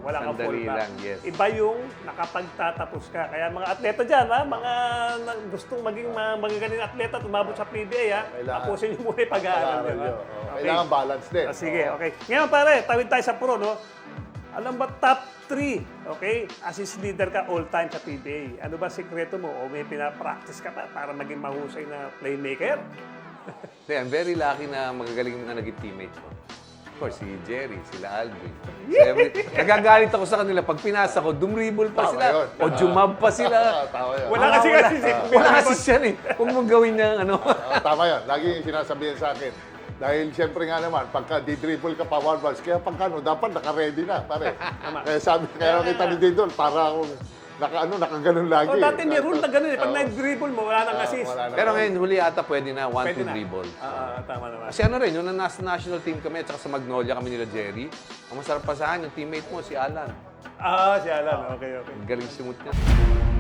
Wala kang Sandali fallback. lang, yes. Iba yung nakapagtatapos ka. Kaya mga atleta dyan, ha? Mga gustong maging magagaling atleta at umabot sa PBA, ha? Kailangan- Tapusin niyo muna yung pag-aaral. Pag-aaral Di ba? nyo. Kailangan balance din. Sige, okay. Ngayon pare, tawid tayo sa pro, no? Alam ba top 3, okay? Assist leader ka all time sa PBA. Ano ba sikreto mo? O may pinapractice ka pa para maging mahusay na playmaker? I'm very lucky na magagaling na naging teammate ko. Of course, si Jerry, sila Alvin. Nagagalit ako sa kanila. Pag pinasa ko, dumribble pa Tama sila. yun. O jumab pa sila. Tama yun. Wala kasi Wala kasi siya eh. Huwag mong gawin niya ano. Tama yan. Lagi yung sinasabihan sa akin. Dahil siyempre nga naman, pagka di-dribble ka pa one bounce, kaya pagka no, dapat naka-ready na, pare. Kaya sabi, kaya kita ni Dindon, para akong nakaganon lagi. O dati may rule na gano'n eh. Pag nag-dribble mo, wala nang assist. Wala na. Pero ngayon, huli ata pwede na Pwede 1-2 na. dribble. Tama naman. Kasi ano rin, yung nasa national team kami at saka sa Magnolia kami nila Jerry, ang masarap pa sa akin, yung teammate mo, si Alan. Si Alan. Okay. Galing simut niya.